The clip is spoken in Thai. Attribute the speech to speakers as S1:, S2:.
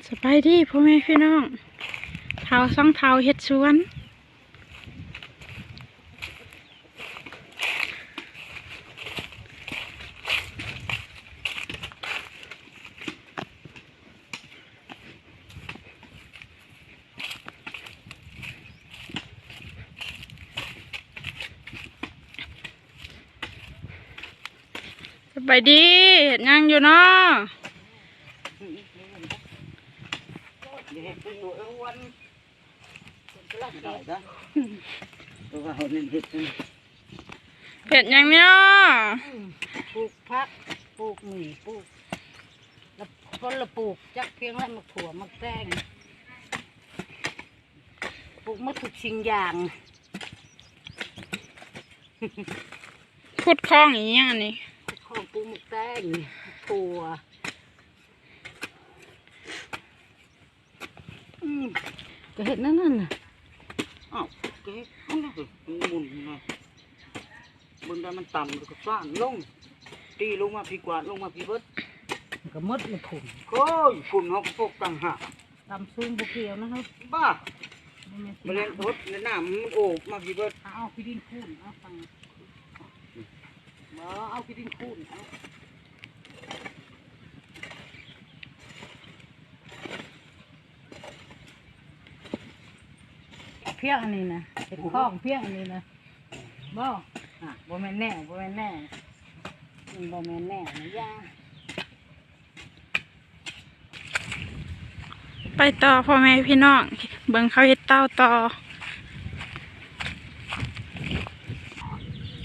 S1: สบายดีพ่อแม่พี่น้องเท้าซ่องเท้าเฮ็ดสวนสบายดีเฮ็ดหยังอยู่เนาะเฮ็ดหยังเนาะ
S2: ปลูกผักปลูกหมี่ปลูกแล้วคนละปลูกจักเพียงแล้วมาถั่วมาแตงปลูกมาทุกสิ่งอย่าง
S1: ขุดคลองอีหยังอันนี้
S2: ของปลูกมะแตงถั่วก็เห็นนั่นน่ะ
S3: อ้าวเก๊มันก็หมุนนะบนได้มันต่ำแล้วก็ฟ้านลงตีลงมาพี่กวาดลงมาพี่เบิด
S2: ก็มดมันผุ่น
S3: โอ้ยฝุ่นเขาพวกต่างหาก
S2: ตำซุ่มบุเกียวนะครับ
S3: บ้ามาเล่นทดในน้ำมันโอบมาพี่เบิด
S2: เอาพี่ดินคูนเอาฟังเอาพี่ดินคูนเอาเพี้ยงอันนี้นะเป็นข้องเพี้ยงอันนี้นะบ่บ่แม่นแน่บ่แม่นแน่บ่แม่นแน่นะย่า
S1: ไปต่อพ่อแม่พี่น้องเบิ่งเขาเฮ็ดเต้าต่อ